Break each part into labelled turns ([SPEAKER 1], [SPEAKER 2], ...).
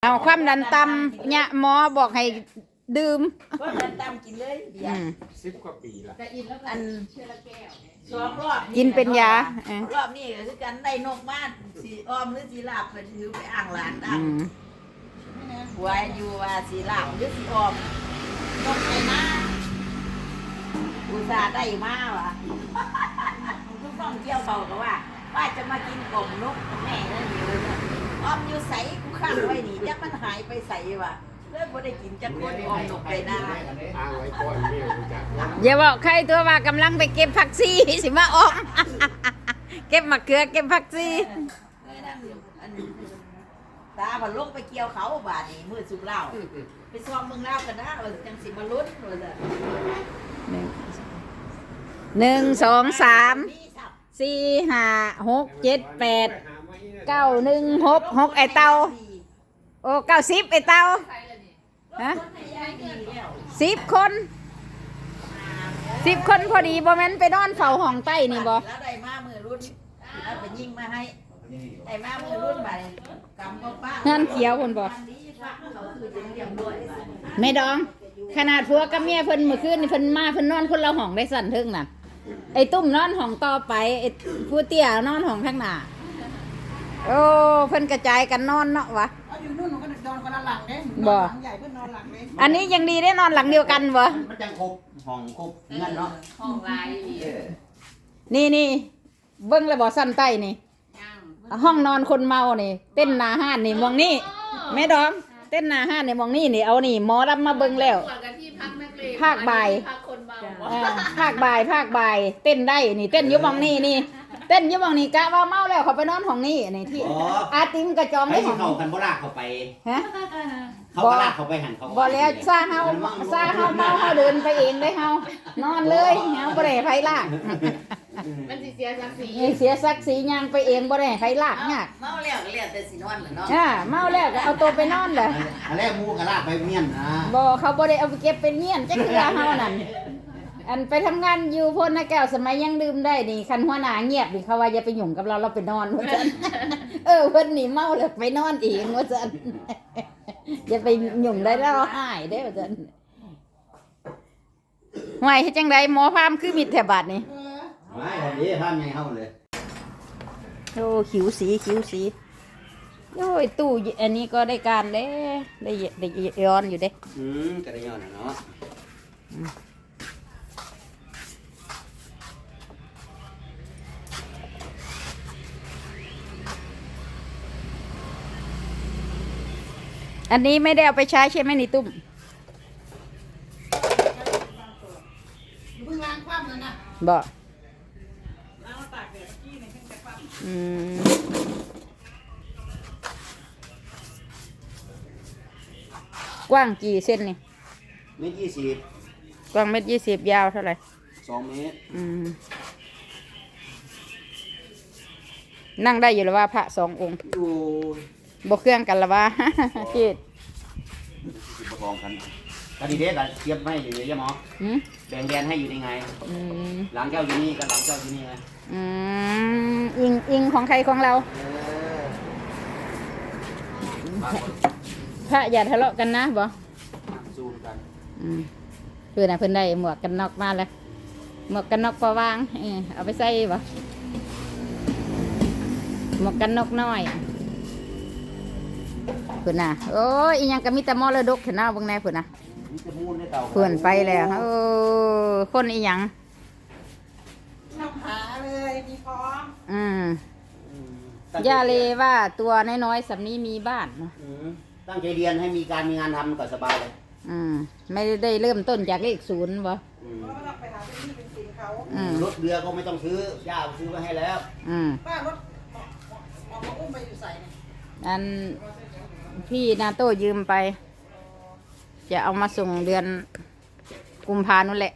[SPEAKER 1] เอาความดันต่ำเนี่ยหมอบอกให้ดื่ม
[SPEAKER 2] ความดันต่ำกินเลยเบียร์
[SPEAKER 3] 10 กว่าปีละ
[SPEAKER 2] อัน2 รอบ
[SPEAKER 1] กินเป็นยาร
[SPEAKER 2] อบนี้ก็คือกันได้นกมาสีอ้อมหรือสีลาบไปถือไปอ่างหลานอ่างหัวอยู่ว่าสีลาบหรือสีอ้อมนกไปมาอุตส่าห์ได้มาว่ะทุกต้องเที่ยวเขาก็ว่าจะมากินกลมนกแม่นั่นอยู่เลยอ้อมอยู่ใสกูข้างไว้นี่จักมันหายไปใสว่ะเลิกบ่ได้กินจักคนอ้อมนกไปหน้า
[SPEAKER 3] อ้างไว้ก่อนเมียรู้จัก
[SPEAKER 1] อย่าบอกใครตัวว่ากำลังไปเก็บผักซีสิมาออก เก็บมะเขือเก็บผักซี
[SPEAKER 2] ตาพันลงไปเกี่ยวเขาบาดนี้มือสุกเหล้าไปซ้อมเมืองเหล้ากันนะจังสิมาลุ้นเลย
[SPEAKER 1] 1 2 3 4 5 6 7 8 9 1 6 6ไอเตาโอ้90ไอเตาฮะ10 คนพอดีบ่แม่นไปนอนเฝ้าห้องใต้นี่บ่
[SPEAKER 2] แล้วได้มามือรุ่นแล้วไปยิงมาให้ได้มามือรุ่นไปกำกับป้า
[SPEAKER 1] นั่นเขียวคนบ่แม่ดองขนาดผัวกับเมียเพิ่นเมื่อคืนนี่เพิ่นมาเพิ่นนอนคนละห้องได้สั่นเทิงน่ะไอ้ตุ้มนอนห้องต่อไปไอ้ผู้เตี้ยนอนห้องข้างหน้าโอ้เพิ่นกระจายกันนอนเนาะวะ
[SPEAKER 4] อยู่นู่นก็นอนคนละหลังเด้
[SPEAKER 1] บ่
[SPEAKER 4] หลังใหญ่เพิ่นนอนหลังเด้
[SPEAKER 1] อันนี้ยังดีได้นอนหลังเดียวกันบ่
[SPEAKER 5] มันจังครบห้องครบงั้นเนาะ
[SPEAKER 2] ห้องลาย
[SPEAKER 1] นี่เบิ่งแล้วบ่สั่นใต้นี่ห้องนอนคนเมานี่เต้นหน้าห้านนี่มองนี่แม่ดองเต้นหน้าห้านนี่มองนี่เอานี่หมอรับมาเบิ่งแล้วภาคบ่ายภาคบ่ายเต้นได้นี่เต้นอยู่มองนี่เต้นอยู่มองนี่กะว่าเมาแล้วเขาไปนอนห้องนี่นี่ที่อาติมกระจอมได้ห้อง
[SPEAKER 5] เข้ากันบ่ลากเข้าไป
[SPEAKER 1] ฮะ
[SPEAKER 5] เขาก็ลากเข้าไปหันเขา
[SPEAKER 1] บ่แล้วซาเฮาเมาเฮาเดินไปเองได้เฮานอนเลยเฮาบ่ได้ไผลาก
[SPEAKER 2] มันสิเสียศักดิ์ศรี
[SPEAKER 1] เสียศักดิ์ศรีย่างไปเองบ่ได้ไผลากยาก
[SPEAKER 2] เมาแล้วก็แล้วแต่สินอนแหละเนาะ
[SPEAKER 1] เมาแล้วก็เอาตัวไปนอนเลย
[SPEAKER 5] อันแรกมูก็ลากไปเมียน
[SPEAKER 1] บ่เขาบ่ได้เอาไปเก็บเป็นเมียนจักเทื่อเฮานั่นอันไปทำงานอยู่พลนะแก้วสมัยยังดื่มได้นี่คันหัวหน้าเงียบนี่เขาว่าอย่าไปหยุ่งกับเราไปนอนว่าซั่นเพิ่นนี่เมาแล้วไปนอนเองว่าซั่นอย่าไปหยุ่งได้แล้วหายได้ว่าซั่นห่วยเฮ็ดจังไดหมอพามคือมิดแถบาดนี่
[SPEAKER 5] ไม่ทำดีทำไงเข้าเลย
[SPEAKER 1] โอ้ขิวสีโอ้ยตู้อันนี้ก็ได้การได้ย้อนอยู่เด้
[SPEAKER 5] กระย้อนเนาะ
[SPEAKER 1] อันนี้ไม่ได้เอาไปใช้ใช่ไหมนี่ตุ้ม
[SPEAKER 4] เพิ่งล้างความเลยนะ
[SPEAKER 1] บ่
[SPEAKER 4] ล้างตากแดดกี้เนี่ยเพิ่งจะความ
[SPEAKER 1] กว้างกี่เส้นนี่
[SPEAKER 5] 1.20
[SPEAKER 1] กว้าง1.20ยาวเท่าไหร่
[SPEAKER 5] 2 เมตร
[SPEAKER 1] นั่งได้อยู่แล้วว่าพระ2 องค์บ่เครื่องกันละว่าจิต
[SPEAKER 5] ประกองกันก็ดีเด้อเทียบให้อยู่ยังหมอแบ่งแดนให้อยู่ในไงหลังเจ้าอยู่นี่กับหลังเจ้าอยู่นี่ไง
[SPEAKER 1] อิงของใครของเราพระอย่าทะเลาะกันนะบ่
[SPEAKER 5] สู้กัน
[SPEAKER 1] เพื่อนเพื่อนได้หมวกกันน็อกมาแล้วหมวกกันน็อกพอวางเอาไปใส่บ่หมวกกันน็อกน้อยเพื่อนน่ะโอ้ยยังก็มีแต่มรดกเห็นหน้าบางแน่เพื่อนน่ะเพื่อนไปแล้วคนอีหยัง
[SPEAKER 4] นำหาเลยมีพร้อ
[SPEAKER 1] มย่าเลยว่าตัวน้อยๆสำนี้มีบ้านเนาะ
[SPEAKER 5] ตั้งใจเรียนให้มีการมีงานทำก็สบายเลย
[SPEAKER 1] ไม่ได้เริ่มต้นจากเลข0บ่
[SPEAKER 5] รถเรือก็ไม่ต้องซื้อย่าซื้อมาให้แล้ว
[SPEAKER 4] ป้ารถเอามาอุ้มไปอยู่ใส่เนี่ย
[SPEAKER 1] อันพี่นาโต้ยืมไปจะเอามาส่งเดือนกุมภานั่นแหละ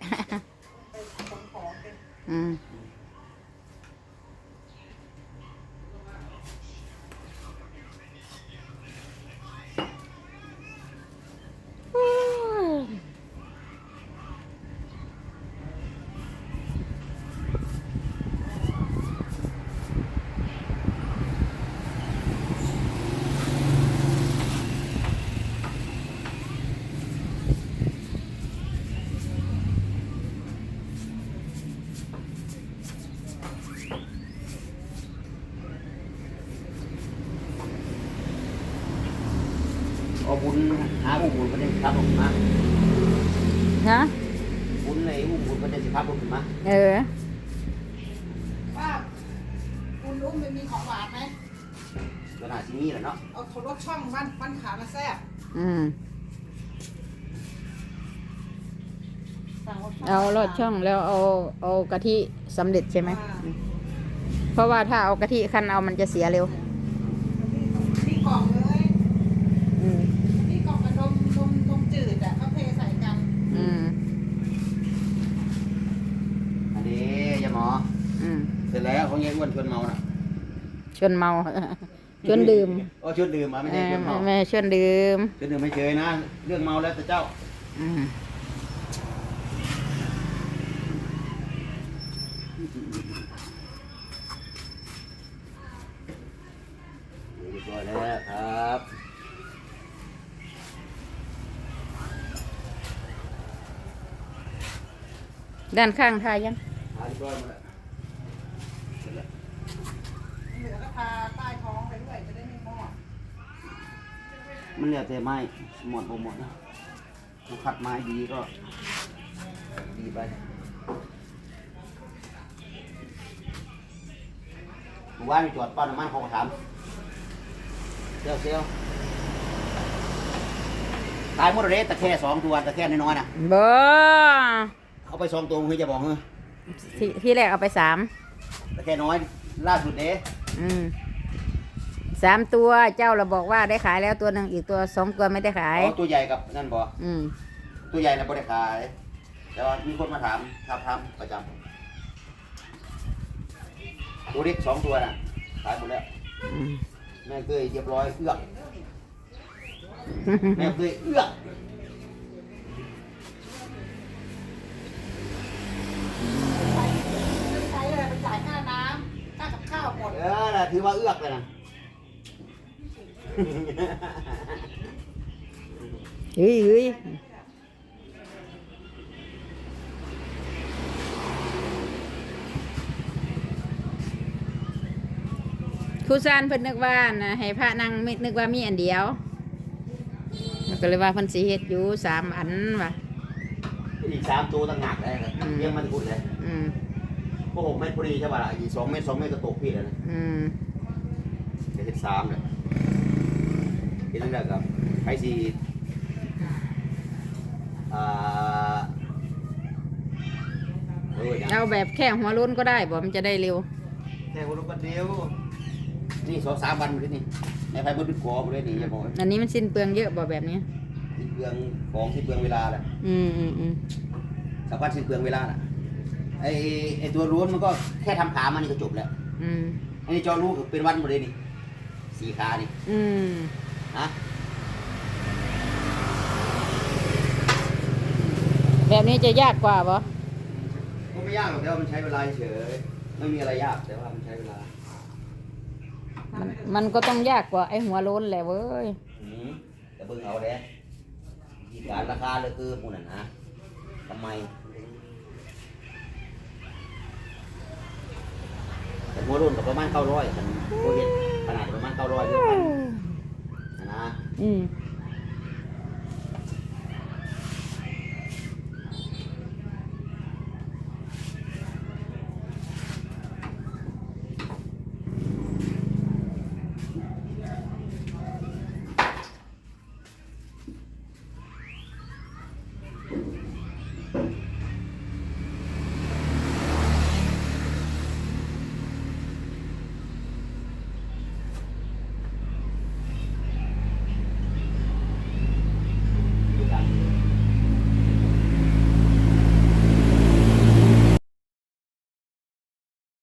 [SPEAKER 5] เอาบุญหาอุ้มบุญประเด็นสิครับผมมา
[SPEAKER 1] ฮะ
[SPEAKER 5] บุญเลยอุ้มบุญประเด็นสิครับผมมา
[SPEAKER 1] เออ
[SPEAKER 4] ป้าคุณรู้มันมีของหวานไหม
[SPEAKER 5] ก็น่าสิมีแหละเนาะ
[SPEAKER 4] เอารสช่องบ้านขามาแซ่บ
[SPEAKER 1] อืม
[SPEAKER 4] สั่งรสช่อง
[SPEAKER 1] เอาลอดช่องแล้วเอากะทิสำเร็จใช่ไหมเพราะว่าถ้าเอากะทิคั้นเอามันจะเสียเร็ว
[SPEAKER 4] ที่กล่องเลย
[SPEAKER 1] อืม
[SPEAKER 4] ที่กล่องกับนมจืดอ่ะเขาเทใส่กัน
[SPEAKER 1] อืม
[SPEAKER 5] อันนี้ยาหมอ
[SPEAKER 1] อืม
[SPEAKER 5] เสร็จแล้วของยายอ้วนชวนเมาน่ะ
[SPEAKER 1] ชวนเมา ชวนดื่ม
[SPEAKER 5] โอ้ชวนดื่มมาไม่ใช่ชวนเมา
[SPEAKER 1] แม่ชวนดื่ม
[SPEAKER 5] ชวนดื่มไม่เฉยนะเรื่องเมาแล้วแต่เจ้า
[SPEAKER 1] อืม
[SPEAKER 5] เรียบร้อยแล้วครับ
[SPEAKER 1] ด้านข้างทายัง
[SPEAKER 5] เรียบร้อยหมดแล้วเสร็จแล้ว
[SPEAKER 4] เหลือก็ทาใต้ท้องไปด้วยจะได้ไม่มอด
[SPEAKER 5] มันเหลือแต่ไม้หมดบ่หมดนะผู้คัดไม้ดีก็ดีไปเมื่อวานไปจอดปั๊มน้ำมันเขาก็ถามเซลตายหมดเลยตะแค่2 ตัวตะแค่น้อยๆนะ
[SPEAKER 1] บ่
[SPEAKER 5] เอาไป2 ตัวคือจะบอกเฮ้ย
[SPEAKER 1] ที่แรกเอาไป3
[SPEAKER 5] ตะแค่น้อยล่าสุดเด้
[SPEAKER 1] อืม3 ตัวเจ้าเราบอกว่าได้ขายแล้วตัวหนึ่งอีกตัว2 ตัวไม่ได้ขาย
[SPEAKER 5] อ๋อตัวใหญ่กับนั่นบ่
[SPEAKER 1] อืม
[SPEAKER 5] ตัวใหญ่นะบ่ได้ขายแต่ว่ามีคนมาถามทำประจำตัวเล็ก2 ตัวน่ะขายหมดแล้ว
[SPEAKER 1] อืม
[SPEAKER 5] แม่เคยเรียบร้อยเอื้อกแม่เคยเอื้อก
[SPEAKER 4] ใช้เลยไปจ่ายค่าน้ำค่ากับข้าวหมด
[SPEAKER 5] น่ะถือว่าเอื้อกเลยนะ
[SPEAKER 1] เฮ้ยเฮ้ยครูซานเพิ่นนึกว่านะให้พระนั่งไม่นึกว่ามีอันเดียวมันก็เลยว่าเพิ่นสิเฮ็ดอยู่3 อันว่ะ
[SPEAKER 5] อีก3 ตัวต่างหากเลยครับเลี้ยงมันกุดเลย
[SPEAKER 1] อืม
[SPEAKER 5] ก็6 เมตรพอดีใช่ป่ะล่ะอีก2 เมตร 2 เมตรก็ตกพี่แล้วนะ
[SPEAKER 1] อืม
[SPEAKER 5] จะเห็น3เลยเห็นแล้วครับใครสิอ่าอย่าง
[SPEAKER 1] เอาแบบแค่หัวโล้นก็ได้บ่มันจะได้เร็ว
[SPEAKER 5] แค่คนละคนเดียวนี่2-3 วันเลยนี่ในไฟมันดึกกอไปเลยนี่อย่าบอก
[SPEAKER 1] อันนี้มันสิ้นเปลืองเยอะบ่แบบนี้
[SPEAKER 5] สิ้นเปลืองของสิ้นเปลืองเวลาแหละ
[SPEAKER 1] อืมอืมอืม
[SPEAKER 5] สำคัญสิ้นเปลืองเวลาแหละไอตัวรั้วมันก็แค่ทำขามันนี่ก็จบแล้ว
[SPEAKER 1] อืม
[SPEAKER 5] อันนี้จอรู้คือเป็นวันหมดเลยนี่4 ขานี่
[SPEAKER 1] อืม
[SPEAKER 5] ฮะ
[SPEAKER 1] แบบนี้จะยากกว่าบ่
[SPEAKER 5] ก็ไม่ยากหรอกแต่ว่ามันใช้เวลาเฉยไม่มีอะไรยากแต่ว่ามันใช้เวลา
[SPEAKER 1] มันก็ต้องยากกว่าไอ้หัวโล้นแหละเว้ย
[SPEAKER 5] แต่เบิ่งเอาเด้ที่การราคาเลยคือหมูนั่นนะทำไมแต่หัวรุ่นกับประมาณ900กันโคเห็นขนาดประมาณ900ด้วยกันนะ
[SPEAKER 1] อืม